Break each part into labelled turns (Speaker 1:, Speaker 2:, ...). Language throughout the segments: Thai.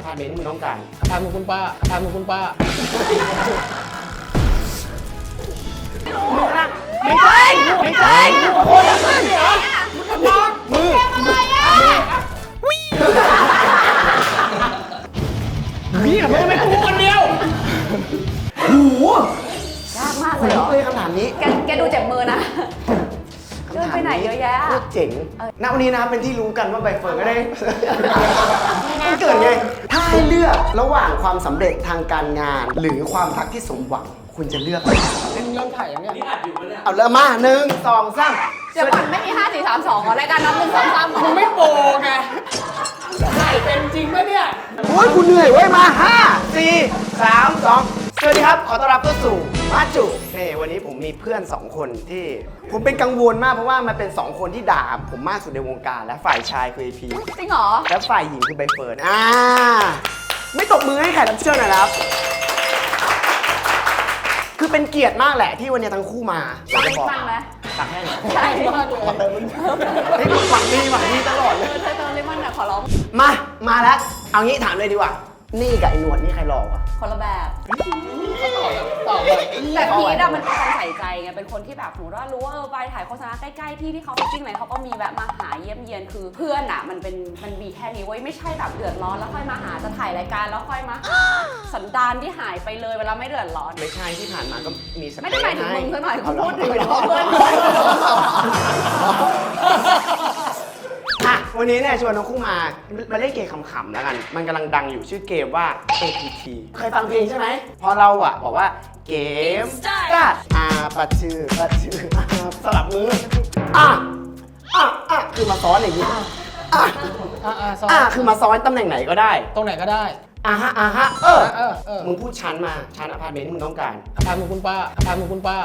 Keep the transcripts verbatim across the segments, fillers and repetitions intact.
Speaker 1: พาร์ตเมนต์ที่มึงต้องการ
Speaker 2: อพาร์ตเมนต์คุณป้าอพาร์ตเมนต์คุณป้า
Speaker 1: ไม่ใช่ไม่ใช่โอ้ยมึงเหรอมึงทำน้องมือพี่กับมึงไม่กูคนเดียวโอ้โห
Speaker 3: ยากมากเลยเหรอ
Speaker 1: เลยคำถามนี้
Speaker 3: แกแกดูเจ็บมือนะเดินไปไหนเยอะแยะ
Speaker 1: โคตรเจ๋งณวันนี้นะครับเป็นที่รู้กันว่าใบเฟิร์นก็ได้มันเกิดไงถ้าให้เลือกระหว่างความสำเร็จทางการงานหรือความรักที่สมหวังคุณจะเลือกอะไร
Speaker 2: เล่นเริ่มถ่ายอย่างเนี้ยนี่อัดอยู่ปะเนี่ย
Speaker 1: เอาเริ่มมาหนึ่งสองสาม
Speaker 3: เดี๋ยวก่อนไม่มีห้าสี่สามสองรายการนับหนึ่งสองสาม
Speaker 2: มึงไม่โปไงถ่ายเป็นจริงปะเนี่ย
Speaker 1: โอ้ยกูเหนื่อยเว้ยมาห้าสี่สามสองสวัสดีครับขอต้อนรับเข้าสู่มาจุนี่วันนี้ผมมีเพื่อนสองคนที่ผมเป็นกังวลมากเพราะว่ามันเป็นสองคนที่ด่าผมมากสุดในวงการและฝ่ายชายคือไอพี
Speaker 3: จริงเหรอ
Speaker 1: และฝ่ายหญิงคือใบเฟิร์นอ่าไม่ตบมือให้แขกรับเชิญหน่อยครับคือเป็นเกียรติมากแหละที่วันนี้ทั้งคู่มา
Speaker 3: ตักให้ฟังไหม
Speaker 1: ตักให้หน่อย
Speaker 3: ใช่มากเลย
Speaker 1: เฮ้ยหวังดีหวังดีตลอดเลย
Speaker 3: เธอเติมเลมอนหน่อยขอร้อง
Speaker 1: มามาแล้วเอางี้ถามเลยดีกว่านี่กับไอ้หนวดนี่ใครหลอกวะ
Speaker 3: คนละแบบ
Speaker 2: ตอบแบบ
Speaker 3: แต่พีทอะมันเป็นคนใส่ใจไงเป็นคนที่แบบหนูว่ารู้ว่าเออไปถ่ายโฆษณาใกล้ๆที่ที่เขาไปจิ้งไหนเขาก็มีแบบมาหาเยี่ยมเยียนคือเพื่อนอะมันเป็นมันมีแค่นี้ไว้ไม่ใช่แบบเดือดร้อนแล้วค่อยมาหาจะถ่ายรายการแล้วค่อยมาหาสันดานที่หายไปเลยเวลาไม่เดือดร้อน
Speaker 1: ไม่ใช่ที่ผ่านมาก็มี
Speaker 3: ไม่ได้หมายถึงมึงซะหน่อยเขาพูดถึงเพื่อน
Speaker 1: อ่ะวันนี้เนี่ยชวนทั้งคู่มามาเล่นเกมขำๆแล้วกันมันกำลังดังอยู่ชื่อเกมว่า เอ พี ที เคยฟังเพลงใช่ไหมพอเราอ่ะบอกว่าเกมก็อ่าปัดชื่อปัดชื่อสลับมืออ่ะอ่ะอ่ะคือมาซ้อนอย่างนี้อ่ะอ่ะอ่ะคือมาซ้อนตำแหน่งไหนก็ได้
Speaker 2: ตรงไหนก็ได้
Speaker 1: อ่ะฮะอ่ะฮะเออ
Speaker 2: เออเออ
Speaker 1: มึงพูดชั้นมาชั้นอพาร์ตเมนต์ที่มึงต้องการ
Speaker 2: อพาร์ตเมนต์คุณป้าอพาร์ตเมนต์คุณป้า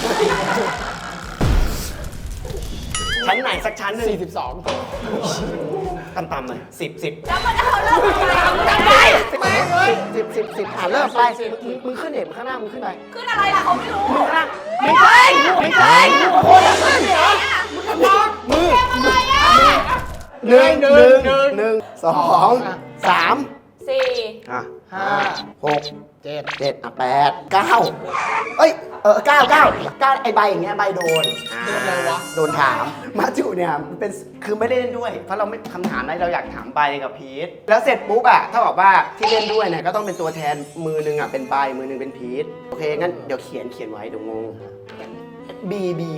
Speaker 1: ชั้นไหนสักชั้นหนึ่ง
Speaker 2: สี่สิบสอง
Speaker 1: ต่ำๆหน่อยสิบสิบ
Speaker 3: แล้วมันจะเริ่ม
Speaker 1: กันไปสิบสิบสิบอ่ะเริ่มไปมึงขึ้นเด็กข้างหน้ามึงขึ้นไป
Speaker 3: ขึ้นอะไรล่ะเขาไม่รู้
Speaker 1: มึงข้างไม่ใช่ไม่ใช่โอ้ยขึ้นเหรอมึงทำน้องมือหนึ่งหนึ่งหนึ่งสองสาม
Speaker 3: สี่
Speaker 1: อ่ะห้าหก
Speaker 2: เจ็ด
Speaker 1: เจ็ดอ่ะแปดเก้าเอ้ยเออเก้าเก้าเก้าไอใบอย่างเงี้ยใบโดน
Speaker 2: โดนอะไรวะ
Speaker 1: โดนถามมาจุเนี่ยเป็นคือไม่ได้เล่นด้วยเพราะเราไม่คำถามอะไรเราอยากถามใบกับพีทแล้วเสร็จปุ๊บอ่ะถ้าบอกว่าที่เล่นด้วยเนี่ยก็ต้องเป็นตัวแทนมือนึงอ่ะเป็นใบมือนึงเป็นพีทโอเคงั้นเดี๋ยวเขียนเขียนไว้เดี๋ยวงงบีบี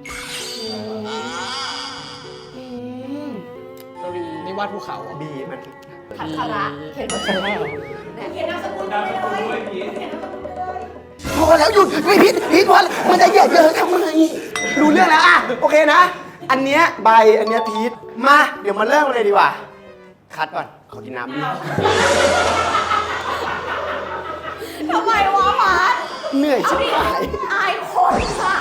Speaker 2: นี่วาดภูเขา
Speaker 1: บีมัน
Speaker 3: ขัดขระเขียนมาเขียนเขียนนามสกุลด้วย
Speaker 1: พอแล้วหยุดไม่พิษพิษพอมันจะเหยียดเยอะทำไมรู้เรื่องแล้วอ่ะโอเคนะอันเนี้ยใบอันเนี้ยพีทมาเดี๋ยวมาเริ่มเลยดีกว่าคัดก่อนขอกินน้ำ
Speaker 3: ทำไมวะมาร์ท
Speaker 1: เหนื่อยชิบหาย
Speaker 3: อายคนค่ะ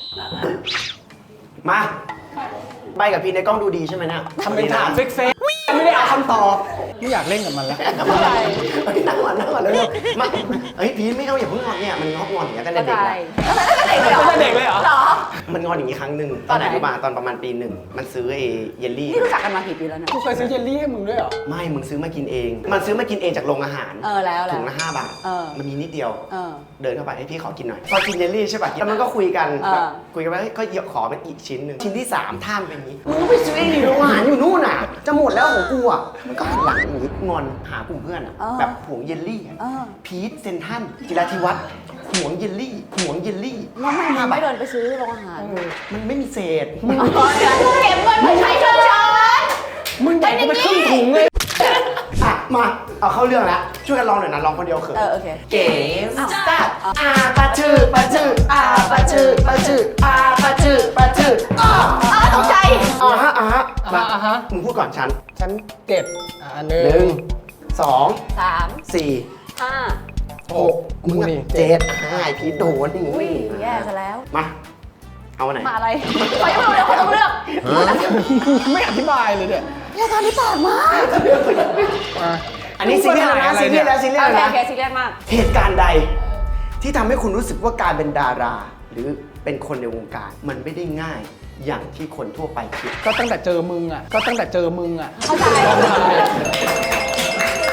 Speaker 1: มาใบกับพีทในกล้องดูดีใช่ไหมเนี่ย
Speaker 2: ทำเป็นถามเฟกเฟก
Speaker 1: ไม่ได้เอาคำตอบ
Speaker 2: ไม่อยากเล่นกับมันแล้ว
Speaker 1: นั่งก่อนนั่งก่อนเร็วๆมาเฮ้ยพีทไม่เอาอย่าเพิ่งงอนเนี่ยมันงอนงอนอย่างเงี้ยตั้งแต่เด็กเลย
Speaker 2: ตั้งแต่เด็กเลยเหรอ
Speaker 1: มันงอนอย่างงี้ครั้งหนึ่งตอนไหนรู้ป่ะตอนประมาณปีหนึ่งมันซื้อไอ้เยลลี่
Speaker 3: นี่รู้จักกันมากี่ปีแล้วนะ
Speaker 2: กูเคยซื้อเยลลี่ให้มึงด้วยเหรอ
Speaker 1: ไม่มึงซื้อมากินเองมันซื้อมากินเองจากโรงอาหาร
Speaker 3: เออแล้ว
Speaker 1: ถุงละห้าบาทมันมีนิดเดียวเดินเข้าไปให้พี่ขอกินหน่อยพอกินเยลลี่ใช่ป่ะแล้วมันก็คุยกันคุยกันว่าก็ขอเป็นอีกชิ้นหนึ่งชิ้นที่สามท่ามเป็นอย่างนี้มึงไปซื้อเองดิโรงอาหารอยู่นู่นอ่ะจะหมดแล้วของกูอ่ะมันก็หันหลังหรืองอนหากลุ่มเพื่อนอ่ะแบบห่วงเยลลี่พีทเซนทันจิราธิวัฒน์ห่วงเยลลี่ห่วงเยลลี่
Speaker 3: แล้วทำไมมึงไม่เดินไปซื้อโรงอาหาร
Speaker 1: มันไม่มีเศษ
Speaker 3: มึงเก็บเงินมาใช้เชิญชวน
Speaker 1: มึงแบ่งไปครึ่งถุงเลยอ่ะมาเอาเข้าเรื่องแล้วช่วยกันลองหน่อยนะลองคนเดียวเขิน
Speaker 3: เออโอเค
Speaker 1: เก๋สตาร์ทอาปะชื่อปะชื่ออาปะชื่อปะชื่ออาปะชื่อปะชื่ออ้า
Speaker 3: ตกใจ
Speaker 1: อ่าฮะอ่าฮะ
Speaker 2: มาอ่าฮะ
Speaker 1: มึงพูดก่อนฉัน
Speaker 2: ฉันเจ็ดอ่าหนึ่
Speaker 1: งสอง
Speaker 3: สาม
Speaker 1: สี่
Speaker 3: ห้า
Speaker 1: หกมึงเจ็ดห้าไอพีโดนนี่
Speaker 3: อุ้ยแย่ซะแล้ว
Speaker 1: มาเอาไหน
Speaker 3: มาอะไรขอยังไม่รู้เลยขอต้องเลือก
Speaker 2: ไม่อธิบายเลยเนี่ย
Speaker 3: รายการนี้ปากมาก
Speaker 1: อันนี้ซีเรียสนะซีเรียสแล้วซีเรียสนะ
Speaker 3: โอเคซีเรียสมาก
Speaker 1: เหตุการณ์ใดที่ทำให้คุณรู้สึกว่าการเป็นดาราหรือเป็นคนในวงการมันไม่ได้ง่ายอย่างที่คนทั่วไปคิด
Speaker 2: ก็ตั้งแต่เจอมึงอ่ะก็ตั้งแต่เจอมึงอ่ะ
Speaker 3: เข้าใจ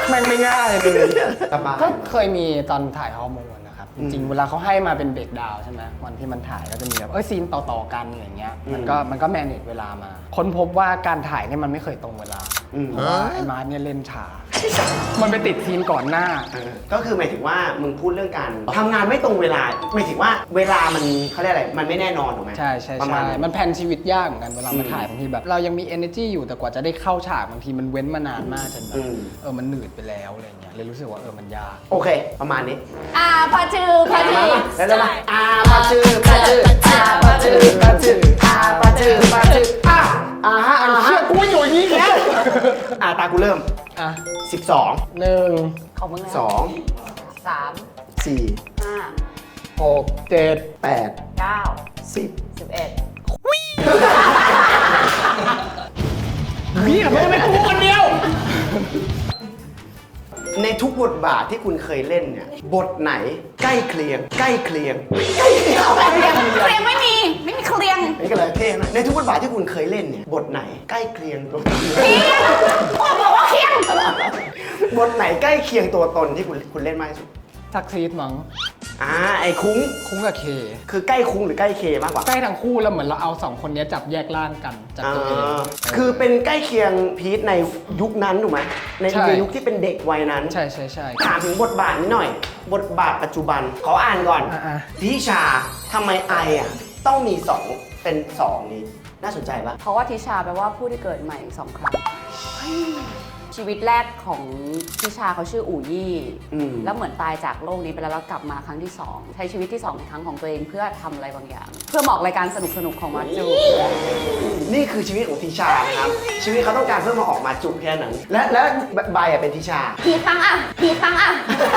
Speaker 2: แม่งไม่ง่ายเลย
Speaker 1: สบาย
Speaker 2: ก็เคยมีตอนถ่ายฮอร์โมนนะครับจริงๆเวลาเขาให้มาเป็นเบรกดาวน์ใช่ไหมวันที่มันถ่ายก็จะมีแบบเอ้ยซีนต่อๆกันอย่างเงี้ยมันก็มันก็แมネจเวลามาค้นพบว่าการถ่ายเนี่ยมันไม่เคยตรงเวลาเพราะว่าไอ้มาร์ทเนี่ยเล่นช้ามันไปติดซีนก่อนหน้า
Speaker 1: ก็คือหมายถึงว่ามึงพูดเรื่องการทำงานไม่ตรงเวลาหมายถึงว่าเวลามันเขาเรียกอะไรมันไม่แน่นอนถูกไหม
Speaker 2: ใช่ใช่
Speaker 1: ประมา
Speaker 2: ใช่
Speaker 1: ณนั้น
Speaker 2: มันแพลนชีวิตยากเหมือนกันเวลามาถ่ายบางทีแบบเรายังมี energy อยู่แต่กว่าจะได้เข้าฉากบางทีมันเว้นมานานมากจนแบบเออมันหนืดไปแล้วอะไรเงี้ยเลยรู้สึกว่าเออมันยาก
Speaker 1: โอเค ประมาณนี้
Speaker 3: อ่าพาจือพาจือ
Speaker 1: แล้วแล้วมาอาปาจือปาจืออาปาจือปาจืออาปาจือปาจืออ่ะอ่าฮะอ่าฮะกูไม่อยู่อย่างนี้แล้วอ่าตากูเริ่ม
Speaker 2: อ่ะ
Speaker 1: สิบสอง
Speaker 2: หนึ่ง
Speaker 3: ของมึงแล้ว
Speaker 1: สอง
Speaker 3: สาม
Speaker 1: สี่
Speaker 3: ห้า
Speaker 2: หกเจ็ด
Speaker 1: แปด
Speaker 3: เก้า
Speaker 1: สิบ
Speaker 3: สิบเอ็ด
Speaker 2: พี่กับมึงเป็นกูคนเดียว
Speaker 1: ในทุกบทบาทที่คุณเคยเล่นเนี่ยบทไหนใกล้เคียง ใกล้เคียงใกล้เคียงใกล้เคียง
Speaker 3: เคลียงไม่มี ไม่มีเคลียง
Speaker 1: นี่ก็เลยเท่นะในทุกบทบาทที่คุณเคยเล่นเนี่ยบทไหนใกล้เคียงตัว
Speaker 3: เคลียงบอกบอกว่าเคลียง
Speaker 1: บทไหนใกล้เคียงตัวตนที่คุณคุณเล่นมากที่สุด
Speaker 2: ซักซีดมั้ง
Speaker 1: อ่าไอ้คุ้ง
Speaker 2: คุ้งกับเค
Speaker 1: คือใกล้คุ้งหรือใกล้เคมากกว่า
Speaker 2: ใกล้ทั้งคู่แล้วเหมือนเราเอาสองคนนี้จับแยกร่างกันจากตัวเอง
Speaker 1: อ่าคือเป็นใกล้เคียงพีทในยุคนั้นถูกไหมใน
Speaker 2: ใช่
Speaker 1: ในยุคที่เป็นเด็กวัยนั้น
Speaker 2: ใช่ใช่ใช่
Speaker 1: ถามถึงบทบาทนี้หน่อย บทบาทปัจจุบันขออ่านก่อน
Speaker 2: อ่ะ
Speaker 1: ทิชาทำไมไออ่ะต้องมีสองเป็นสองนี้น่าสนใจปะ
Speaker 3: เพราะว่าทิชาแปลว่าผู้ที่เกิดใหม่สองครั้ง ชีวิตแรกของทิชาเขาชื่ออู่ยี่
Speaker 1: อืม
Speaker 3: แล้วเหมือนตายจากโลกนี้ไปแล้วแล้วกลับมาครั้งที่สองใช้ชีวิตที่สองในครั้งของตัวเองเพื่อทำอะไรบางอย่าง เพื่อเหมาะรายการสนุกสนุกๆของมาจู
Speaker 1: นี่คือชีวิตของทิชานะครับชีวิตเขาต้องการเพื่อมาออกมาจุแค่นั้นและและใบอ่ะเป็นทิชา
Speaker 3: พีตังอ่ะพีตังอ่ะ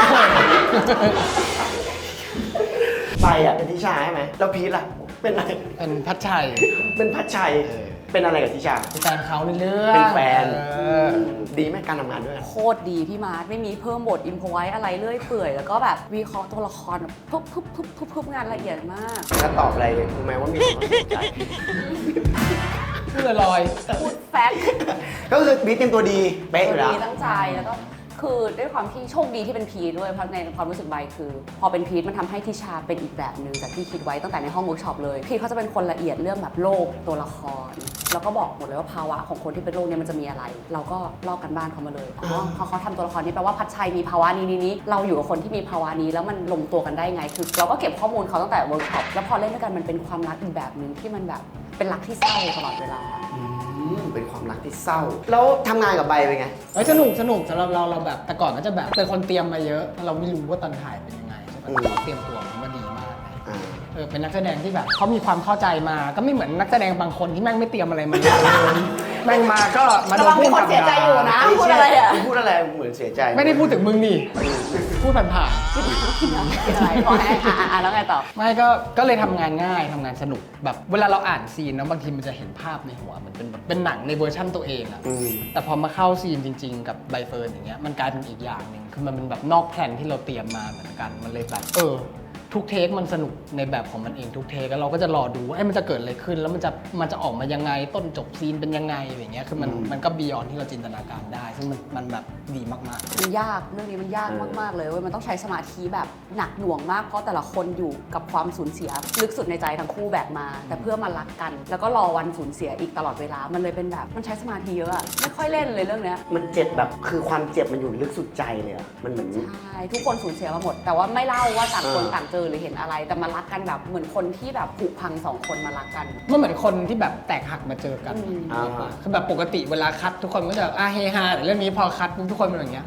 Speaker 1: ใบอ่ะเป็นทิชาใช่ไหมแล้วพีทล่ะเป็นอะไร
Speaker 2: เป็นพัชชัย
Speaker 1: เป็นพัชชัย
Speaker 2: เออ
Speaker 1: เป็นอะไรกับทิชา
Speaker 2: เป็นแฟนเขาในเรื่อง
Speaker 1: เป็นแฟน
Speaker 2: เออ
Speaker 1: ดีไหมการทำงานด้วยกัน
Speaker 3: โคตรดีพี่มาร์ทไม่มีเพิ่มบทอินพไว้อะไรเรื่อยเปื่อย แล้วก็แบบวิเคราะห์ตัวละครแบบปุ๊บปุ๊บปุ๊บปุ๊บปุ๊บงานละเอียดมาก
Speaker 1: แล้วตอบอะไรรู้ไหมว่ามีความสนใจ
Speaker 2: พูดลอย
Speaker 3: พูดแฟกต์
Speaker 1: ก็คือพีทเตรียมตัวดีเป๊ะอยู่แล้ว
Speaker 3: ดีตั้งใจแล้วก็คือด้วยความที่โชคดีที่เป็นพีทด้วยเพราะในความรู้สึกใบคือ พอเป็นพีทมันทำให้ทิชาเป็นอีกแบบหนึ่งจากที่คิดไว้ตั้งแต่ในห้องเวิร์กช็อปเลยพีทเขาจะเป็นคนละเอียดเรื่องแบบโลกตัวละคร แล้วก็บอกหมดเลยว่าภาวะของคนที่เป็นโรคเนี้มันจะมีอะไร เราก็ลอกกันบ้านเขามาเลยอ๋อเขาเขาทำตัวละครนี้แปลว่าพัชชัยมีภาวะนี้นี้นี้เราอยู่กับคนที่มีภาวะนี้แล้วมันลงตัวกันได้ไงคือเราก็เก็บข้อมูลเขาตั้งแต่เวิร์กช็อปแล้วพอเล่นด้วยกันมันเป็นความรักอีกแบบหนึ่งที่มันแบบเป็นรักที่เศร้าตลอดเวลา
Speaker 1: อืมเป็นความรักที่เศร้า แล้วทำงานกับใบเป็นไง
Speaker 2: เฮ้ยสนุกสนุกสำหรับเราเราแบบแต่ก่อนก็จะแบบเป็นคนเตรียมมาเยอะเราไม่รู้ว่าตอนถ่ายเป็นยังไงใช่ไหม
Speaker 1: อืม
Speaker 2: เราเตรียมตัวมันมาดีมากเลย
Speaker 1: อ่า
Speaker 2: เออเป็นนักแสดงที่แบบเขามีความเข้าใจมาก็ไม่เหมือนนักแสดงบางคนที่แม่งไม่เตรียมอะไรมาเลยแม่งมาก็มาโดนพูด
Speaker 3: ระวังมีคนเสียใจอยู่นะ
Speaker 1: ไ
Speaker 3: พูดอะไรอะ
Speaker 1: พูดอะไรเหมือนเสียใจ
Speaker 2: ไม่ได้พูดถึงมึงนี่พูดผ่าน
Speaker 3: คิดอะไรพอให้อ่ะอ่ะแล้วไงต่อ
Speaker 2: ๆไม่ก็ก็เลยทำงานง่ายทำงานสนุกแบบเวลาเราอ่านซีนนะบางทีมันจะเห็นภาพในหัวมันเป็นแบบเป็นหนังในเวอร์ชั่นตัวเองอะ
Speaker 1: อืม
Speaker 2: แต่พอมาเข้าซีนจริง ๆ กับใบเฟิร์นอย่างเงี้ยมันกลายเป็นอีกอย่างหนึ่งคือมันเป็นแบบนอกแผนที่เราเตรียมมาเหมือนกันมันเลยแบบเออทุกเทคมันสนุกในแบบของมันเองทุกเทคแล้วเราก็จะรอดูว่าเอ้ยมันจะเกิดอะไรขึ้น แล้วมันจะมันจะออกมายังไงต้นจบซีนเป็นยังไงอย่างเงี้ยคือมัน
Speaker 1: อืม
Speaker 2: มันก็บียอนที่เราจินตนาการได้ ซึ่งมันมันแบบดีมาก
Speaker 3: มันยากเรื่องนี้มันยากมากๆเลยเว้ยมันต้องใช้สมาธิแบบหนักหน่วงมากเพราะแต่ละคนอยู่กับความสูญเสียลึกสุดในใจทั้งคู่แบบมา แต่เพื่อมารักกัน แล้วก็รอวันสูญเสียอีกตลอดเวลามันเลยเป็นแบบมันใช้สมาธิเยอะอะไม่ค่อยเล่นเลยเรื่องเนี้ย
Speaker 1: มันเจ็บแบบคือความเจ็บมันอยู่ลึกสุดใจเลยอะมันเหมือน
Speaker 3: ใช่ทุกคนสูญเสียมาหมด แต่ว่าไม่เล่าว่าต่างคน
Speaker 1: เออ
Speaker 3: ต่างเจอหรือเห็นอะไร แต่มารักกันแบบเหมือนคนที่แบบผุพังสองคนมารักกัน
Speaker 2: ๆมันเหมือนคนที่แบบแตกหักมาเจอกัน
Speaker 3: อืม
Speaker 1: อ่า
Speaker 2: คือแบบปกติเวลาคัดทุกคนก็จะอ่ะเฮฮาแต่เรื่องนี้พอคัดปุ๊บทุกคนเป็นอย่างเงี้ย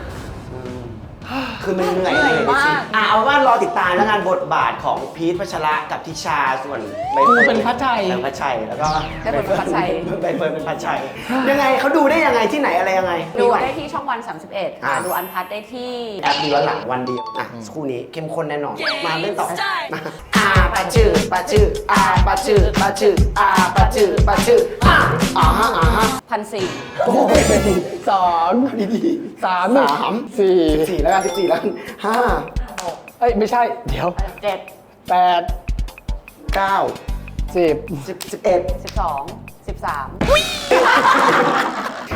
Speaker 1: คือมันเหนื่อย
Speaker 3: เหนื่อยมาก
Speaker 1: อ่ะเอาว่ารอติดตามแล้วกันบทบาทของพีทพัชระกับทิชาส่วนใบ
Speaker 2: กู
Speaker 1: เฟิร์
Speaker 2: เป็นพัชชัย
Speaker 1: เป็นพัชชัยแล้วก็
Speaker 3: ได้เป็นพัชชัย
Speaker 1: ใบเฟิร์นเป็นพัชชัยยังไงเขาดูได้ยังไงที่ไหนอะไรยังไง
Speaker 3: ดูได้ที่ช่องวัน สามสิบเอ็ด
Speaker 1: อ่า
Speaker 3: ดูอันพัทได้ที่
Speaker 1: แอปดูย้อนหลังวันเดียวอ่ะคู่นี้เข้มข้นแน่นอนมาเล่นต่อมาอาปาชื่อปาชื่ออาปาชื่อปาชื่ออาปาชื่อปาชื่ออ่าอ่าฮะอ่าฮะ
Speaker 3: พันสี่
Speaker 1: โอ้ย
Speaker 2: สอง
Speaker 1: ดีดี
Speaker 2: สาม
Speaker 1: สาม
Speaker 2: สี่
Speaker 1: สิบสี่แล้วกันสิบสี่แล้วกันห้า
Speaker 2: เอ้ยไม่ใช่เดี๋ยว
Speaker 3: เจ็ด
Speaker 2: แปด
Speaker 1: เก้า
Speaker 2: สิบ
Speaker 1: สิบสิบเอ็ด
Speaker 3: สิบสองสิบสาม
Speaker 1: น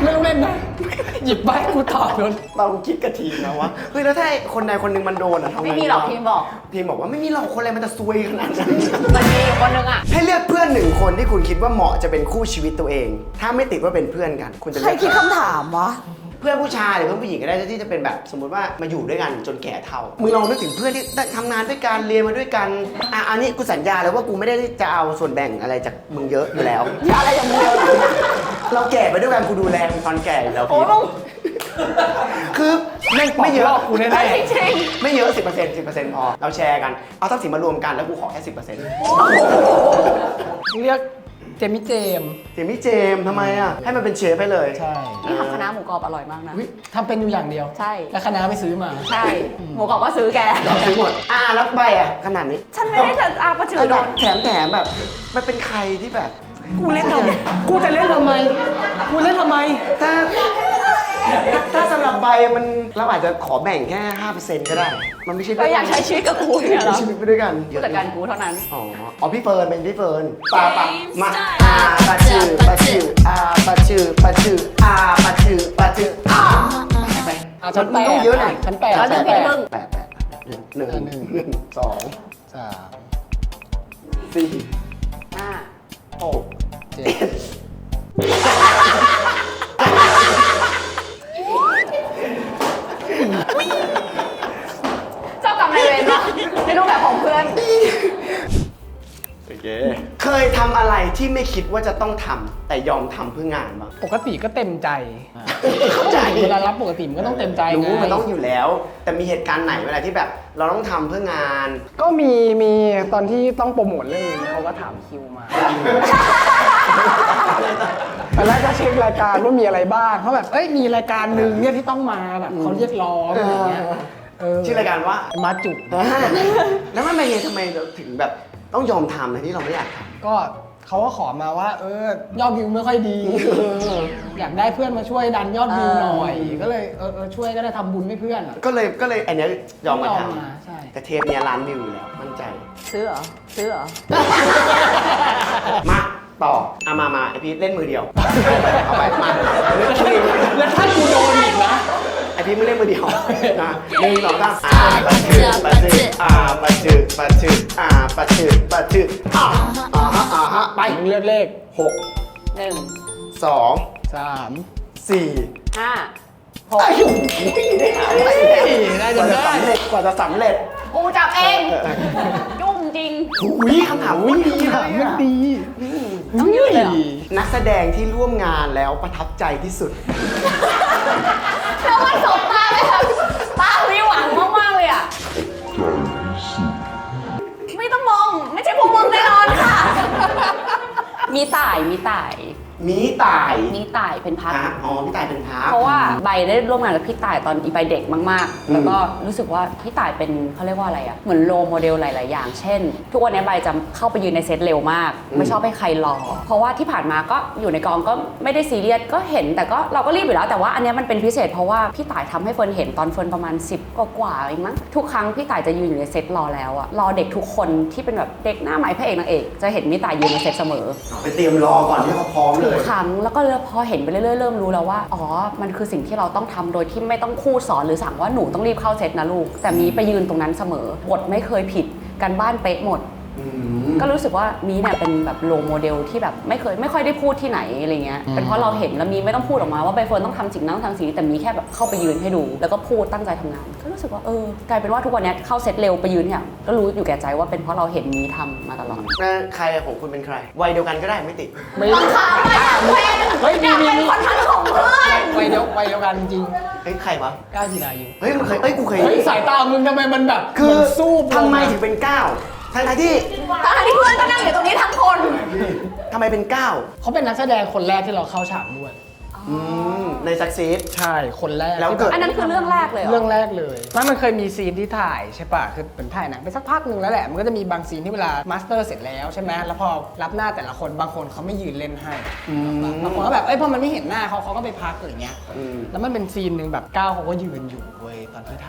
Speaker 2: ไม่ต้องเล่นนะ หยิบใบกูตอบโดน
Speaker 1: เราคิดกะทีนะว่าเฮ้ยแล้วถ้าคนใดคนหนึ่งมันโดนอะทำไง
Speaker 3: ไม่มีหรอกทีมบอก
Speaker 1: ทีมบอกว่าไม่มีหรอกคนอะไรมันจะซวยขนาดนั้น
Speaker 3: มันมีอยู่คนนึงอ่ะ
Speaker 1: ให้เลือกเพื่อนหนึ่งคนที่คุณคิดว่าเหมาะจะเป็นคู่ชีวิตตัวเอง ถ้าไม่ติดว่าเป็นเพื่อนกัน คุณจะ
Speaker 4: ใคร
Speaker 1: เลือก
Speaker 4: คิดคำถามวะ
Speaker 1: เพื่อนผู้ชายหรือเพื่อนผู้หญิงก็ได้ที่จะเป็นแบบสมมุติว่ามาอยู่ด้วยกันจนแก่เฒ่ามึงลองนึกถึงเพื่อนที่ได้ทำงานด้วยกันเรียนมาด้วยกันอ่ะอันนี้กูสัญญาเลยว่ากูไม่ได้จะเอาส่วนแบ่งอะไรจากมึงเยอะอยู่แล้ว
Speaker 4: อย่าอะไรอย่างเดียว
Speaker 1: เราแก่ไปด้วยกันกูดูแลมึงตอนแก่อยู่แล้ว
Speaker 3: โอ้
Speaker 1: พี่
Speaker 3: มึง
Speaker 1: คือ
Speaker 2: แม่งปอก
Speaker 1: ไม่เย
Speaker 2: ล
Speaker 1: อะ
Speaker 2: อกกูแน่
Speaker 3: จริง
Speaker 1: ไม่เยอะ สิบเปอร์เซ็นต์ สิบเปอร์เซ็นต์ พอ เราแชร์กัน เอาทรัพย์สินมารวมกันแล้วกูขอแค่ สิบเปอร์เซ็นต์
Speaker 2: ๆเรียกเจมี่เจมส์
Speaker 1: เจมี่เจมส์ทำไมอ่ะ ให้มันเป็นเชฟไปเลย
Speaker 2: ใช่
Speaker 3: ๆนี่ทำคณะหมูกรอบอร่อยมากนะ
Speaker 2: อุ๊ยทำเป็นอยู่อย่างเดียว
Speaker 3: ใช่
Speaker 2: แล้วคณะไปซื้อมา
Speaker 3: ใช่ หมูกรอบก็ซื้อแก
Speaker 1: เราซื้อหมด อ่าแล้วใบอ่ะขนาดนี้
Speaker 3: ฉันไม่ได้จะอาประจือ
Speaker 1: ไอ้
Speaker 3: โด
Speaker 1: แบบ
Speaker 3: น
Speaker 1: แถมแถมแบบ มันเป็นใครที่แบบ
Speaker 2: กูเล่นทำกูจะเล่นทำไม กูเล่นทำไม
Speaker 1: ถ้า ถ้าสำหรับใบมันเราอาจจะขอแบ่งแค่ ห้าเปอร์เซ็นต์ ก็ได้ มันไม่ใช่
Speaker 3: ก็อยากใช้ชีวิตกับกูเนี่ยเหรอ
Speaker 1: ใช้ชีวิตไปด้วยกัน
Speaker 3: ผู้จัดการกูเท่านั้น
Speaker 1: อ๋อ อ๋อพี่เฟิร์นเป็นพี่เฟิร์นปาปามาอ่าปาชื่อปาชื่ออ่าปาชื่อปาชื่ออ่าปาชื่อปาชื่ออ่าไป
Speaker 2: เอาชั้นแปด
Speaker 1: มัต้องเยอะหน่อย
Speaker 2: ชั้นแปด
Speaker 3: แล้วหนึ่งพี่มึง
Speaker 1: แปดแปดหนึ่งหนึ่ง
Speaker 2: หนึ่ง
Speaker 1: หนึ่งสอง
Speaker 2: สาม
Speaker 1: สี่
Speaker 3: อ่า
Speaker 1: หก
Speaker 2: เจ็ด
Speaker 1: เจ็ด
Speaker 3: เจ้ากรรมนายเวรเนาะในรูปแบบของเพื่อน
Speaker 1: โอเคเคยทำอะไรที่ไม่คิดว่าจะต้องทำแต่ยอมทำเพื่องานบ้าง
Speaker 2: ปกติก็เต็มใจ
Speaker 1: เข้าใจ
Speaker 2: เวลารับปกติมันก็ต้องเต็มใจ
Speaker 1: รู้
Speaker 2: ไง
Speaker 1: มันต้องอยู่แล้ว แต่มีเหตุการณ์ไหนเวลาที่แบบ เราต้องทำเพื่องาน
Speaker 2: ก็มีมีตอนที่ต้องโปรโมทเรื่องนี้เขาก็ถามคิวมาตอนแรกก็เช็ครายการว่ามีอะไรบ้างเขาแบบเอ้ยมีรายการหนึ่งเนี่ยที่ต้องมาแบบเขาเรียกร้องอะไรเงี้ยเ
Speaker 1: ชื่อรายการว่า
Speaker 2: มาจุก
Speaker 1: แล้วมันเป็นไงทำไมเราถึงแบบต้องยอมทำในที่เราไม่อยากท
Speaker 2: ก็เขาก็ขอมาว่า เออยอดวิวไม่ค่อยดี อยากได้เพื่อนมาช่วยดันยอดวิวหน่อย ก็เลยเออเออช่วยก็ได้ทำบุญให้เพื่อนอะ
Speaker 1: ำก็เลยก็เลยอันเนี้ยยอมมาท
Speaker 2: ยอมมาใช่
Speaker 1: ำแต่เทปเนี้ยล้านวิวอยู่แล้วมั่นใจ
Speaker 3: ซื้อเหรอ ซื้อเหรอ
Speaker 1: มาต่อเอามามาไอพีทเล่นมือเดียว เอาไปมา
Speaker 2: แล้วถ้ากูโดนอีกนะ
Speaker 1: ไอพีทไม่เล่นมือเดียวนะหนึ่งสองสามอ่าปะชื่อปะชื่ออ่าปะชื่อปะชื่ออ่าปะชื่อปะชื่ออ่าอ่าฮะอ่าฮะไป
Speaker 2: มึงเลือกเลข
Speaker 1: หก
Speaker 3: หนึ่ง
Speaker 1: สอง
Speaker 2: สาม
Speaker 1: สี่
Speaker 3: ห้า
Speaker 1: ไอ้ยุ่งได้หาได้
Speaker 2: ได้
Speaker 1: ก
Speaker 2: จ
Speaker 1: ว่าน จะ
Speaker 2: ได้
Speaker 1: สำเร็จกว่าจะสำเร็จ
Speaker 3: กูจับเอง ยุ่งจริง
Speaker 1: อุ้ยคำถามอุ้ยดี
Speaker 2: ถาม
Speaker 1: เลย
Speaker 2: มัน
Speaker 1: อะ
Speaker 2: ดี
Speaker 3: ต้องยืดเลยเหรอ
Speaker 1: นักแสดงที่ร่วมงานแล้วประทับใจที่สุด
Speaker 3: แล้วมันสบตาเลยค่ะตามีหวังมากๆเลยอ่ะ ไม่ต้องมอง ไม่ใช่พวกมึงแน่นอนค่ะ มีต่าย มีต่าย
Speaker 1: มีตาย
Speaker 3: มีต่ายเป็นพัก
Speaker 1: อ่ะอ๋อพี่ตายเป็นพาร์ท
Speaker 3: เพราะว่าใบได้ร่วมงานกับพี่ต่ายตอนอีใบเด็กมาก
Speaker 1: อืม
Speaker 3: ๆแล้วก็รู้สึกว่าพี่ต่ายเป็นเขาเรียกว่าอะไรอะเหมือนโรลโมเดลหลาย ๆ อย่าง เช่น ทุกวันนี้ใบจะเข้าไปยืนในเซตเร็วมาก ไม่ชอบให้ใครรอ เพราะว่าที่ผ่านมาก็อยู่ในกองก็ไม่ได้ซีเรียสก็เห็นแต่ก็เราก็รีบอยู่แล้วแต่ว่าอันเนี้ยมันเป็นพิเศษเพราะว่าพี่ต่ายทำให้เฟิร์นเห็นตอนเฟิร์นประมาณสิบกว่าๆเองมั้งทุกครั้งพี่ต่ายจะยืนอยู่ในเซตรอแล้วอะรอเด็กทุกคนที่เป็นแบบเด็กหน้าใหม่พระเอกนางเอกจะเห็นพี่ต่ายยืนในเซตเสมอ
Speaker 1: ไปเตรียมรอก่อนที่เขาพร้อมเล
Speaker 3: ทุก
Speaker 1: ย
Speaker 3: ครั้งแล้วก็พอเห็นไปเรื่อยๆเริ่มรู้แล้วว่าอ๋อมันคือสิ่งที่เราต้องทำโดยที่ไม่ต้องคูดสอนหรือสั่งว่าหนูต้องรีบเข้าเซตนะลูกแต่มีไปยืนตรงนั้นเสมอบทไม่เคยผิดกันบ้านเป๊ะหมด
Speaker 1: อืม
Speaker 3: ก็รู้สึกว่ามีเนี่ยเป็นแบบโรลโมเดลที่แบบไม่เคยไม่ค่อยได้พูดที่ไหนอะไรเงี้ยเป็นเพราะเราเห็นแล้วมีไม่ต้องพูดออกมาว่าใบเฟิร์นต้องทำสิ่งนั้นต้องทำสิ่งนี้แต่มีแค่แบบเข้าไปยืนให้ดู แล้วก็พูดตั้งใจทำงาน ก็รู้สึกว่าเออกลายเป็นว่าทุกวันนี้เข้าเซตเร็วไปยืนเนี่ยก็รู้อยู่แก่ใจว่าเป็นเพราะเราเห็นมีทำมาตลอด
Speaker 1: แล้วใครของคุณเป็นใคร วัยเดียวกันก็ได้ไม่ติด
Speaker 2: ไม่
Speaker 3: บังคับไม่เป็น
Speaker 2: เฮ้ยมีมี
Speaker 3: เป็น
Speaker 2: มี
Speaker 3: คนทันของเพื่อน
Speaker 2: วัยเดียววัยเดียวกันจริง
Speaker 1: เฮ้ยใครวะ
Speaker 2: ก้าวจีรายุ
Speaker 1: เฮ้ยมึงเคยเอ้ยกูเคย
Speaker 2: เฮ้ยสายตามึงทำไมมันแบบ
Speaker 1: คือ
Speaker 2: มันสู้
Speaker 1: ทำไมถึงเป็นเก้าทั้งๆที่
Speaker 3: ทั้งที่เพื่อนก็นั่งอยู่ตรงนี้ทั้งคน
Speaker 1: ทำไมเป็นเก้า
Speaker 2: เขาเป็นนักแสดงคนแรกที่เราเข้าฉากด้วย
Speaker 1: อืมในซักซีด
Speaker 2: ใช่คนแรก
Speaker 1: แล้ว
Speaker 2: ที่
Speaker 1: เกิด
Speaker 3: อันนั้นคือเรื่องแรกเลยเหรอ
Speaker 2: เรื่องแรกเลยแล้วมันเคยมีซีนที่ถ่ายใช่ป่ะคือเป็นถ่ายหนังไปสักพักหนึ่งแล้วแหละมันก็จะมีบางซีนที่เวลามาสเตอร์เสร็จแล้วใช่ไหมแล้วพอรับหน้าแต่ละคนบางคนเขาไม่ยืนเล่นให้
Speaker 1: อืม
Speaker 2: บางคนก็แบบเอ้ยพอมันไม่เห็นหน้าเขาเขาก็ไปพักอะไรเงี้ย
Speaker 1: อืม
Speaker 2: แล้วมันเป็นซีนหนึ่งแบบก้าวเขาก็ยืนอยู่เว้ยตอนที่ถ่าย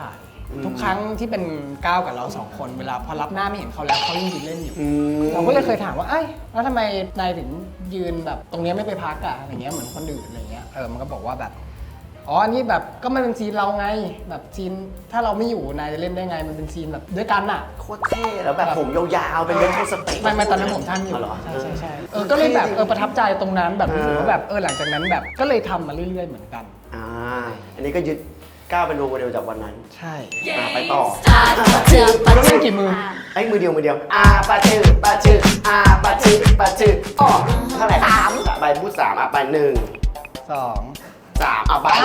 Speaker 2: ทุกครั้งที่เป็นก้าวกับเราสองคนเวลาพอรับหน้าไม่เห็นเขาแล้วเขายังยืนเล่นอยู่
Speaker 1: อืม
Speaker 2: เราก็เลยเคยถามว่าเอ้ยแล้วทำไมนายถึงยืนแบบตรงเนี้ยไม่ไปพักอะอะไรเงี้ยเหมือนคนอื่นอะไรเงี้ยเออมันก็บอกว่าแบบอ๋ออันนี้แบบก็มันเป็นซีนเราไงแบบซีนถ้าเราไม่อยู่นายจะเล่นได้ไงมันเป็นซีนแบบด้วยกันอะ
Speaker 1: โคตรเท่แล้วแบบผมยาวๆเป็นเรโทรสเปก
Speaker 2: ไม่ไม่ตอนนั้นผมท่านอยู่
Speaker 1: อ๋อเหรอ
Speaker 2: ใช่ใช่ใช่เออก็เลยแบบเออประทับใจตรงนั้นแบบรู้สึก
Speaker 1: เออ
Speaker 2: ว่าแบบเออหลังจากนั้นแบบก็เลยทำมาเรื่อยๆเหมือนกัน
Speaker 1: อ่าอันนี้ก็ยึดก้าวเป็นโรลโมเดลจากวันนั้น
Speaker 2: ใช่
Speaker 1: อ่าไปต่อ
Speaker 2: เราเล่นกี่มือ
Speaker 1: ไอ้มือเดียวมือเดียวอาปาชื่อปาชื่ออาปาชื่อปาชื่ออ๋อเท่าไหร่สามใบพูดสามอ่ะไปหนึ่ง
Speaker 2: สอง
Speaker 1: สามอ่ะไป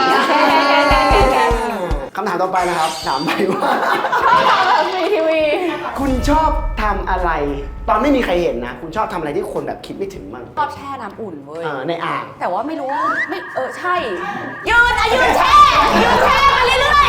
Speaker 1: คำถามต่อไปนะครับถามไปว่า
Speaker 3: มีทีวี
Speaker 1: คุณชอบทำอะไร ตอนไม่มีใครเห็นนะ คุณชอบทำอะไรที่คนแบบคิดไม่ถึงมั่ง
Speaker 3: ชอบแช่น้ำอุ่นเว้ย
Speaker 1: เออในอ่าง
Speaker 3: แต่ว่าไม่รู้ว่าไม่เออใช่ ยืนอะยืนแช่ยืนแช่ไปเรื่อย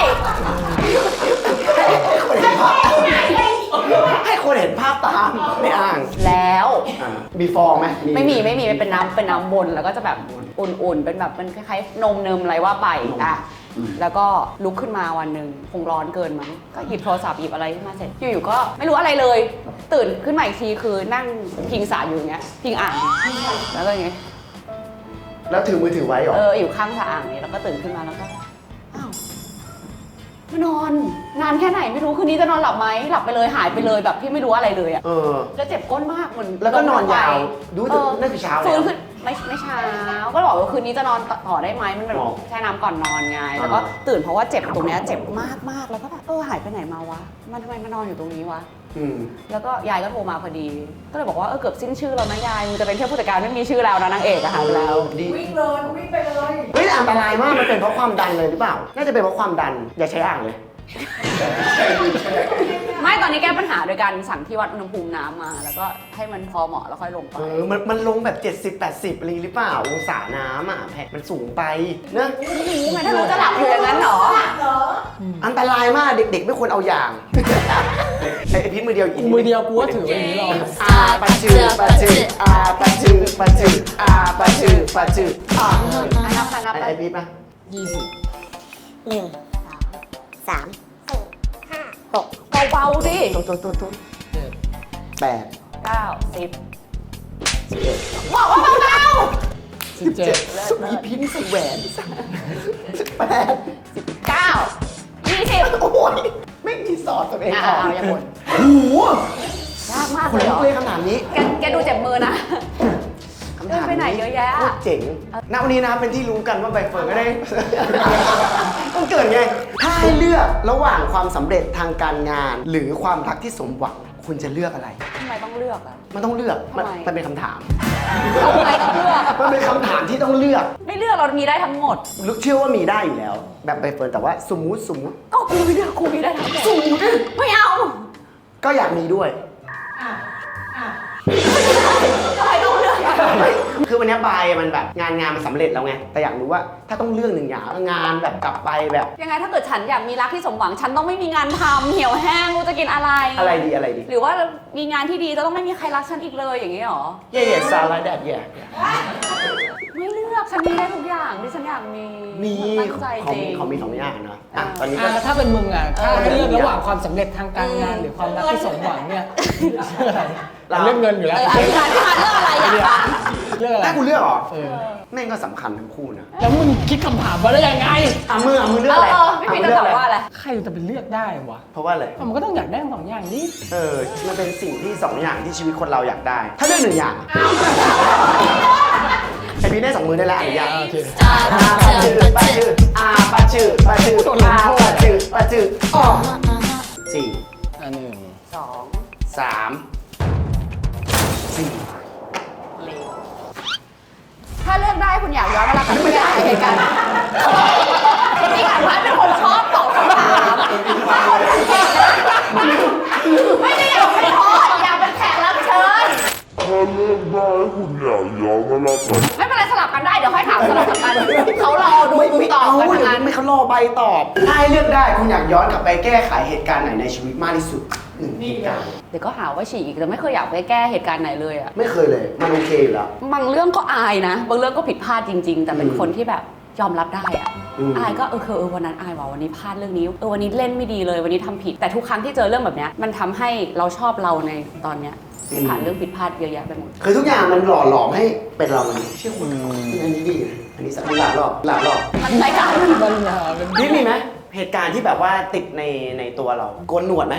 Speaker 1: ให้คนเห็นภาพตามในอ่าง
Speaker 3: ๆแล้ว
Speaker 1: อ่ามีฟองไหม
Speaker 3: ไม่มีไม่มีมันเป็นน้ำเป็นน้ำบนแล้วก็จะแบบอุ่นๆ เป็นแบบมันคล้ายๆนมเนิมอะไรว่าไปอ่ะแล้วก็ลุกขึ้นมาวันหนึ่งคงร้อนเกินมั้งก็หยิบโทรศัพท์หยิบอะไรขึ้นมาเสร็จอยู่ๆก็ไม่รู้อะไรเลย ตื่นขึ้นมาอีกทีคือนั่งพิงสาอยู่อย่างเงี้ยพิงอ่างแล้วก็อย่างเงี้ย
Speaker 1: แล้วถือมือถือไว้เหรอ
Speaker 3: เอออยู่ข้างสาอ่างนี้แล้วก็ตื่นขึ้นมาแล้วก็อ้าวมานอนนานแค่ไหนไม่รู้คืนนี้จะนอนหลับไหมหลับไปเลยหายไปเลยแบบที่ไม่รู้อะไรเลยอะ
Speaker 1: เออ
Speaker 3: แล้วเจ็บก้นมากเหมือน
Speaker 1: แล้วก็นอนยาวดู
Speaker 3: เออ
Speaker 1: นั่นคือเช้าแล้ว
Speaker 3: ฟื้นขึ้นไม่ไม่เช้าก็บอกว่าคืนนี้จะนอนต่อได้ไหมมันแบบ
Speaker 1: อ๋อ
Speaker 3: แช่น้ำก่อนนอนไง
Speaker 1: อ่า
Speaker 3: แล้วก็ตื่นเพราะว่าเจ็บตรงเนี้ยเจ็บมากมากแล้วก็แบบเออหายไปไหนมาวะมันทำไมมานอนอยู่ตรงนี้วะ
Speaker 1: อืม
Speaker 3: แล้วก็ยายก็โทรมาพอดี ก็เลยบอกว่าเออเกือบสิ้นชื่อแล้วนะยายมึงจะเป็นแค่ผู้จัดการไม่มีชื่อแล้วนะนางเอกอะหายไปแล้ว
Speaker 1: ดี
Speaker 4: วิ่งเลยวิ่งไปเลย
Speaker 1: เฮ้ยแต่อันตรายมากมันเป็นเพราะความดันเลยหรือเปล่า น่าจะเป็นเพราะความดันอย่าใช้อ่างเลย
Speaker 3: ไม่ตอนนี้แก้ปัญหาโดยการสั่งที่วัดอุณหภูมิน้ำมา แล้วก็ให้มันพอเหมาะแล้วค่อยลงไป
Speaker 1: เออมันมันลงแบบเจ็ดสิบ แปดสิบอะไรหรือเปล่าองศาน้ำอ่ะแผ่นมันสูงไปเนอะ
Speaker 3: ไม่รู้ไงถ้ารู้จะหลับอยู่อย่างนั้นเหรอ
Speaker 4: เหรอ
Speaker 1: อันตรายมากเด็กๆ ไม่ควรเอาอย่าง ไอ้ไอ้พิษมือเดียว
Speaker 2: กูมือเดียวกูก็ถือไว้อย่างนี้หรอก
Speaker 1: อาปาชื่อปาชื่ออาปาชื่อปาชื่ออาปาชื่อปาชื่ออ่า
Speaker 3: อ่ะนับไปนับ
Speaker 1: ไอ้
Speaker 3: ไป
Speaker 1: ไอ้พิษปะ
Speaker 2: ยี่สิบ
Speaker 5: หนึ่งสามสี่ห้าหก
Speaker 3: เบาๆสิ
Speaker 1: ตัวตัวตัวตัว
Speaker 2: เจ็ด
Speaker 1: แปด
Speaker 3: เก้าสิบ
Speaker 1: สิบเอ็ด
Speaker 3: บอกว่าเบา
Speaker 2: สิบเจ็ด
Speaker 1: สุมีพิษสุแหวนสิบแปด
Speaker 3: ๆสิบเก้ายี่สิบ
Speaker 1: โอ้ยไม่มีสอดตัวเอง
Speaker 3: อ่ะ
Speaker 1: ออก
Speaker 3: เอาอย่าบ่น
Speaker 1: โอ้โห
Speaker 3: ยากมาก
Speaker 1: ค
Speaker 3: เล
Speaker 1: น
Speaker 3: ยเหร
Speaker 1: ลุ
Speaker 3: อก
Speaker 1: เลยคำถามนี้
Speaker 3: แกแกดูเจ็บมือนะ
Speaker 1: คำถาม
Speaker 3: เดินไปไหนเยอะแยะ
Speaker 1: โคตรเจ๋งณวันนี้นะครับเป็นที่รู้กันว่าใบเฟิร์นก็ได้ ต้องเกิดไง ถ้าให้เลือกระหว่างความสำเร็จทางการงาน หรือความรักที่สมหวัง คุณจะเลือกอะไร
Speaker 3: ทำไมต้องเลือกอ่ะ
Speaker 1: มันต้องเลือก มัน
Speaker 3: ทำไม
Speaker 1: มันเป็นคำถาม
Speaker 3: ทำไมต้องเลือก
Speaker 1: มันเป็นคำถามที่ต้องเลือก
Speaker 3: ไม่เลือกเรามีได้ทั้งหมด
Speaker 1: ลึกเชื่อว่ามีได้อยู่แล้ว แบบใบเฟิร์นแต่ว่าสมมุติสมมุติ
Speaker 3: ก็กูไม่เลือกกูมีได้ทั้งหมด
Speaker 1: สมมุติ
Speaker 3: ไม่เอา
Speaker 1: ก็อยากมีด้วย
Speaker 4: อ่ะ อ่ะ
Speaker 3: ทำไมต้องเลือกอ่ะ
Speaker 1: คือวันนี้บายมันแบบงานงานมันสำเร็จแล้วไง แต่อยากรู้ว่าถ้าต้องเลือกหนึ่งอย่างงานแบบกลับไปแบบ
Speaker 3: ยังไงถ้าเกิดฉันอยากมีรักที่สมหวัง ฉันต้องไม่มีงานทำเหี่ยวแห้งกูจะกินอะไร
Speaker 1: อะไรดีอะไรดี
Speaker 3: หรือว่ามีงานที่ดีจะต้องไม่มีใครรักฉันอีกเลยอย่างนี้หรอ
Speaker 1: เย่เย่ซาลาแดดเย่
Speaker 3: ไม่เลือกฉันมีได้ทุกอย่างที่ฉันอยากมี
Speaker 1: มี
Speaker 3: ตั้งใจ
Speaker 1: ของ
Speaker 3: จริง
Speaker 1: ของมีสองอย่างเนาะอ่ะตอนนี้ก็
Speaker 2: อ่ะแล้วถ้าเป็นมึงอ่ะถ้า
Speaker 3: เออ
Speaker 2: ให้เลือกระหว่างความสำเร็จทางการงานหรือความรักที่สมหวังเนี่ยเลือกอะไรเราเลือกเงินอยู่
Speaker 3: เอ
Speaker 2: แล้ว
Speaker 3: ออธิษฐานที่มาเลือกอะไรอยากฟัง
Speaker 2: เลือกอะไร
Speaker 1: ถ้ากูเลือกเหรอ
Speaker 2: เออ
Speaker 1: แม่งก็สำคัญทั้งคู่นะ
Speaker 2: แล้วมึงคิดคำถามมาได้ยังไง
Speaker 1: อ่ะมืออ่ะมือเลื
Speaker 3: เอ
Speaker 1: อกอะไร
Speaker 3: อเออพี่พีจะตอบว่าอะไร
Speaker 2: ใครจะไปเลือกได้วะ
Speaker 1: เพราะว่าอะไร
Speaker 2: มันก็ต้องอยากได้ทั้งสองอย่างนี้
Speaker 1: เออ มันเป็นสิ่งที่สองอย่างที่ชีวิตคนเราอยากได้ ถ้าเลือกหนึ่งอย่างไอพี่ได้สองมือได้แล้วอนุญาต
Speaker 2: โอเค
Speaker 1: ปาชื่อปาชื่อปาชื่อปาชื่ออาปาชื่อปาชื่ออ๋อสี่
Speaker 2: อันหนึ่ง
Speaker 3: สอง
Speaker 1: สามสี่
Speaker 3: ถ้าเลือกได้คุณอยากย้อนเวลากลับไปอยากเหตุการณ์พี่อ่านพัดเป็นคนชอบตอบคำถามไม่ได้อยากเป็นโค้ชอยากเป็นแขกรับเชิญ
Speaker 6: ถ้าเลือกได้คุณอยากย้อนเวลากลับ
Speaker 3: ไม่เป็นไรสลับกันได้เดี๋ยวค่อยถามสลับกันเขารอดู
Speaker 1: ไม่
Speaker 3: มึง
Speaker 1: ไม่
Speaker 3: ตอบ
Speaker 1: เอา
Speaker 3: กัน
Speaker 1: เดี๋ยว
Speaker 3: ทั้งนั้น
Speaker 1: ไม่เขารอใบตอบ ถ้าให้เลือกได้คุณอยากย้อนกลับไปแก้ไขเหตุการณ์ไหนในชีวิตมากที่สุดหนึ่งเหตุการณ์
Speaker 3: เดี๋ยวก็หาว่าฉีกอีกแต่ไม่เคยอยากไปแก้เหตุการณ์ไหนเลยอะ
Speaker 1: ไม่เคยเลย มันโอเคอยู่แล้ว
Speaker 3: บางเรื่องก็อายนะ บางเรื่องก็ผิดพลาดจริง ๆ แต่เป็นคนที่แบบยอมรับได้อะ
Speaker 1: อืม
Speaker 3: อายก็เออคือเออวันนั้นอายว่าวันนี้พลาดเรื่องนี้เออวันนี้เล่นไม่ดีเลยวันนี้ทำผิดแต่ทุกครั้งที่เจอเรื่องแบบเนี้ยมันทำให้เราชอบเราในตอนเนี้ยผ่านเรื่องผิดพลาดเยอะแยะไปหมด
Speaker 1: คือทุกอย่างมันหล่อหลอมให้เป็นเราเลยเชื่อคุณอันนี้ดีนะอันนี้สักหลายรอบหลายรอบ
Speaker 3: มันรายการ
Speaker 2: ปัญหาเป็น
Speaker 1: พี่มีไหมเหตุการณ์ที่แบบว่าติดในในตัวเราโกนหนวดไหม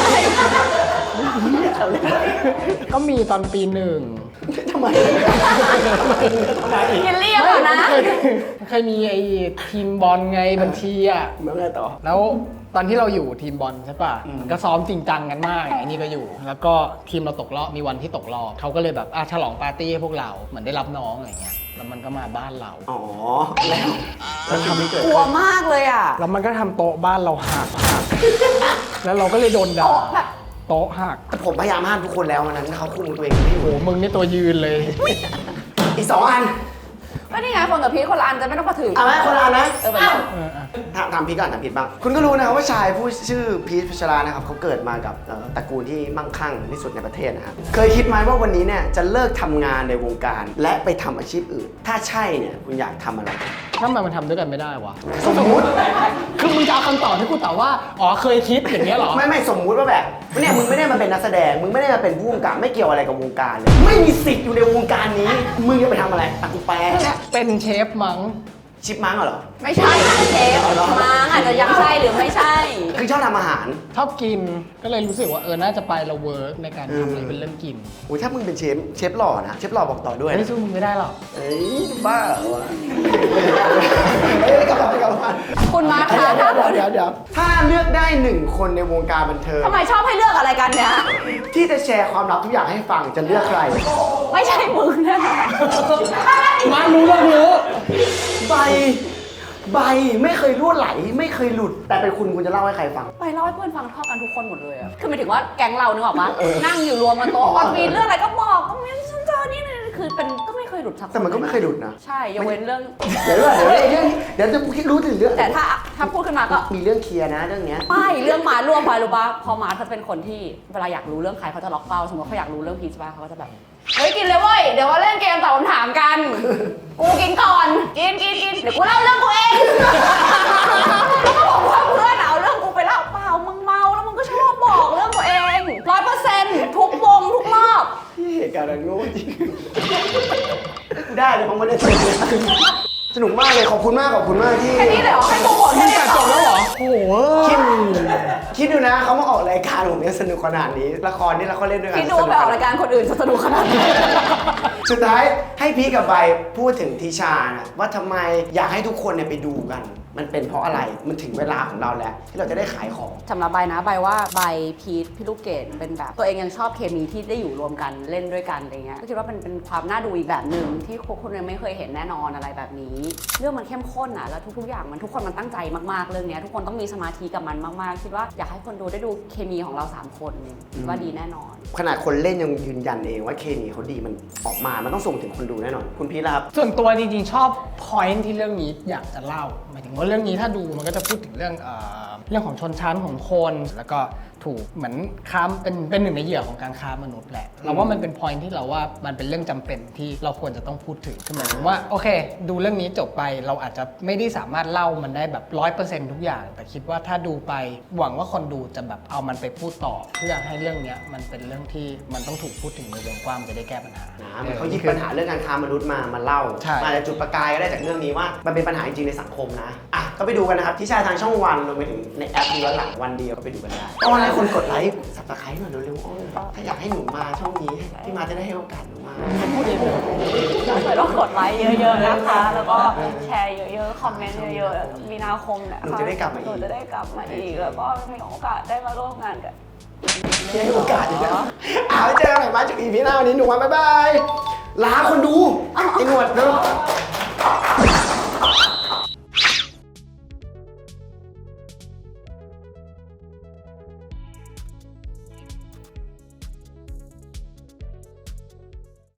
Speaker 2: ก็มีตอนปีหนึ่ง
Speaker 1: ทำไมทำไม
Speaker 3: กินเรียบอะนะ
Speaker 2: เคยเคยมีไอ้ทีมบอลไงบัญชีอ่ะ
Speaker 1: เมื่อไงต่อ
Speaker 2: แล้วตอนที่เราอยู่ทีมบอลใช่ป่ะ
Speaker 1: อืม
Speaker 2: มันก็ซ้อมจริงจังกันมากไอ้นี่ก็อยู่ แล้วก็ทีมเราตกรอบมีวันที่ตกรอบเขาก็เลยแบบอ่ะฉลองปาร์ตี้ให้พวกเราเหมือนได้รับน้องอะไรเงี้ยแล้วมันก็มาบ้านเรา
Speaker 1: อ๋อแล้วแล้วทำให้เกิด
Speaker 3: กลัวมากเลยอ่ะ
Speaker 2: แล้วมันก็ทำโต๊ะบ้านเราหักหักแล้วเราก็เลยโดนด่า
Speaker 3: โต๊ะแบบ
Speaker 2: โต๊ะหัก
Speaker 1: แต่ผมพยายามห้ามทุกคนแล้ววันนั้นเขาคุมตัวเองไม่อยู่
Speaker 2: โอ้มึงนี่ตัวยืนเลย
Speaker 1: อีกสองอัน
Speaker 3: ก็นี่ไงคนกับพีทคนละอันจะไม่ต้องมาถึง
Speaker 1: เอาไหมคนละอันนะ
Speaker 3: เออไปเลย
Speaker 2: เอออ่ะ
Speaker 1: ถามถามพีทก่อนถามพีทบ้างคุณก็รู้นะครับว่าชายผู้ชื่อพีทพัชรานะครับเขาเกิดมากับเอ่อตระกูลที่มั่งคั่งที่สุดในประเทศนะครับเคยคิดไหมว่าวันนี้เนี่ยจะเลิกทำงานในวงการ และไปทำอาชีพอื่น ถ้าใช่เนี่ยคุณอยากทำอะไร
Speaker 2: ทำไมมันทำด้วยกันไม่ได้วะ
Speaker 1: สมมุติ
Speaker 2: คือมึงจะเอาคำตอบที่กูตอบว่า อ๋อเคยคิดอย่างเงี้ยเหรอ
Speaker 1: ไม่ไม่สมมุติว่าแบบเนี่ยมึงไม่ได้มาเป็นนักแสดงมึงไม่ได้มาเป็นผู้กำกับไม่เกี่ยวอะไรกับวงการเลยไม่มีสิทธิ์อยู่ในวงการนี้ มึงจะไปทำอะไรอ่ะกูแปล
Speaker 2: เป็นเชฟมั้ง
Speaker 1: ชิปมังเหรอ
Speaker 3: ไม่ใช่เชฟมาอาจจะยังใช่หรือไม่ใช่
Speaker 1: คือชอบทำอาหาร
Speaker 2: ชอบกิน ก็เลยรู้สึกว่าเออ น่าจะไปเราเวิร์กในการทำอะไรเป็นเรื่องกิน
Speaker 1: โอ้ยถ้ามึงเป็นเชฟเชฟหล่อนะเชฟหล่อบอกต่อด้วย
Speaker 2: ไม่
Speaker 1: นะ
Speaker 2: สู้มึงไม่ได้หรอก
Speaker 1: เอ้ยบ้าเหรอวะเอ้ยกลับมากลับมา
Speaker 3: คุณมาร์คคะ
Speaker 1: เดี๋ยวเดี๋ยวเดี๋ยวถ้าเลือกได้หนึ่งคนในวงการบันเทิง
Speaker 3: ทำไมชอบให้เลือกอะไรกันเนี่ย
Speaker 1: ที่จะแชร์ความลับทุกอย่างให้ฟังจะเลือกใคร
Speaker 3: ไม่ใช่มึงแน่นอน
Speaker 2: มารู้แล้วรู้
Speaker 1: ใบใบไม่เคยรั่วไหลไม่เคยหลุด แต่เป็นคุณคุณจะเล่าให้ใครฟัง
Speaker 3: ไปเล่าให้เพื่อนฟังเท่ากันทุกคนหมดเลยอะคือหมายถึงว่าแก๊งเรานึกออกปะนั่งอยู่รวมกันโต๊ะวันมีเรื่องอะไรก็บอกก็มีฉันเจอนี่นี่คือเป็นก็ไม่เคยหลุดสักคน
Speaker 1: แต่มันก็ไม่เคยหลุดนะ
Speaker 3: ใช่ยกเว้นเรื่อง
Speaker 1: เดี๋ยวเดี๋ยวเดี๋ยวเดี๋ยวจะรู้ถึงเรื่อง
Speaker 3: แต่ถ้าถ้าพูดขึ้นมาก็
Speaker 1: มีเรื่องเคลียร์นะเรื่องเนี้ย
Speaker 3: ไม่เรื่องมาร่วมไปรู้ปะพอมาเขาเป็นคนที่เวลาอยากรู้เรื่องใครเขาจะล็อกเป้าสมมติเขาอยากรู้เรื่องพีชป่ะเขาก็จะแบบเฮ้ยกินเลยเว้ยเดี๋ยวมาเล่นเกมตอบคำถามกันกูกินก่อนกินกินกินเดี๋ยวกูเล่าเรื่องกูเองแล้วก็บอกว่าเพื่อนเอาเรื่องกูไปเล่าเปล่ามึงเมาแล้วมึงก็ชอบบอกเรื่องตัวเองร้อยเปอร์เซ็นต์ทุกวงทุกรอบ
Speaker 1: ที่เหตุการณ์นั้นโง่จริงได้เลยผมไม่ได้สนุกสนุกมากเลยขอบคุณมากขอบคุณมากที่
Speaker 3: แค่นี้เลยเหรอให้โปรโมทแค่นี้
Speaker 2: แต่จบแล้วเหรอ โอ้โห
Speaker 1: คิดคิดดูนะเขามาออกรายการผมเนี่ยสนุกขนาดนี้ละครนี่เราก็เล่นด้วยกัน
Speaker 3: คิดดูไปออกรายการคนอื่นจะสนุกขนาดไหน
Speaker 1: สุดท้ายให้พีคกับใบพูดถึงทิชานะว่าทำไมอยากให้ทุกคนเนี่ยไปดูกัน มันเป็นเพราะอะไรมันถึงเวลาของเราแล้วที่เราจะได้ขายของ
Speaker 3: สำหรับใบนะใบว่าใบพีทพี่ลูกเกดเป็นแบบตัวเองยังชอบเคมีที่ได้อยู่รวมกันเล่นด้วยกันอะไรเงี้ยก็คิดว่าเป็นเป็นความน่าดูอีกแบบหนึ่งที่คนยังไม่เคยเห็นแน่นอนอะไรแบบนี้เรื่องมันเข้มข้นอ่ะแล้วทุกๆอย่างมันทุกคนมันตั้งใจมากๆเรื่องเนี้ยทุกคนต้องมีสมาธิกับมันมากๆคิดว่าอยากให้คนดูได้ดูเคมีของเราสามคนคิดว่าดีแน่นอน
Speaker 1: ขนาดคนเล่นยังยืนยันเองว่าเคมีเขาดีมันออกมามันต้องส่งถึงคนดูแน่นอนคุณพีทล่ะครับ
Speaker 2: ส่วนตัวจริงๆชอบ point ที่เรื่องนี้อยากจะเล่าหมายถึงว่าเรื่องนี้ถ้าดูมันก็จะพูดถึงเรื่องเอ่อเรื่องของชนชั้นของคน แล้วก็ถูกเหมือนค้าเป็นเป็นหนึ่งในเหยื่อของการค้ามนุษย์แหละเราว่ามันเป็น point ที่เราว่ามันเป็นเรื่องจำเป็นที่เราควรจะต้องพูดถึงคือหมายถึงว่าโอเค ดูเรื่องนี้จบไปเราอาจจะไม่ได้สามารถเล่ามันได้แบบร้อยเปอร์เซ็นต์ทุกอย่าง แต่คิดว่าถ้าดูไปหวังว่าคนดูจะแบบเอามันไปพูดต่อ เพื่อให้เรื่องเนี้ยมันเป็นเรื่องที่มันต้องถูกพูดถึงในวงกว้างจะได้แก้ปัญหา
Speaker 1: นะมันเขาหยิบปัญหาเรื่องการค้ามนุษย์มามาเล่า
Speaker 2: ใช่
Speaker 1: อาจจะจุดประกายก็ได้จากเรื่องนี้ว่ามันเป็นปัญหาจริงๆในสังคมนะอ่ะก็ไปดูกันนะครับที่ชายทางช่องวันรวมไปถึงในแอปดูย้อนหลังวันเดียวก็ไปดูกันได้ตอนนี้คนกดไลค์สับตะไคร้หน่อยเร็วๆอ้อถ้าอยากให้หนูมาช่องนี้พี่มาจะได้ให้โอกาสหนูมาพูดเองเลย
Speaker 3: ต้องกดไลค์เยอะๆนะคะ แล้วก็แชร์เยอะๆ คอมเมนต์เยอะๆ มีนาคมเนี่ย
Speaker 1: หนูจะได้กลับมาอีก
Speaker 3: หนูจะได้กลับมาอีก แล้วก็มีโอกาสได้มาร่วมงานกัน
Speaker 1: ให้โอกาสอีกแล้วเอาไว้เจอกันใหม่มาจากอีพีหน้าวันนี้หนูมาบ๊ายบายลาคนดูไอ้หนวดเนาะ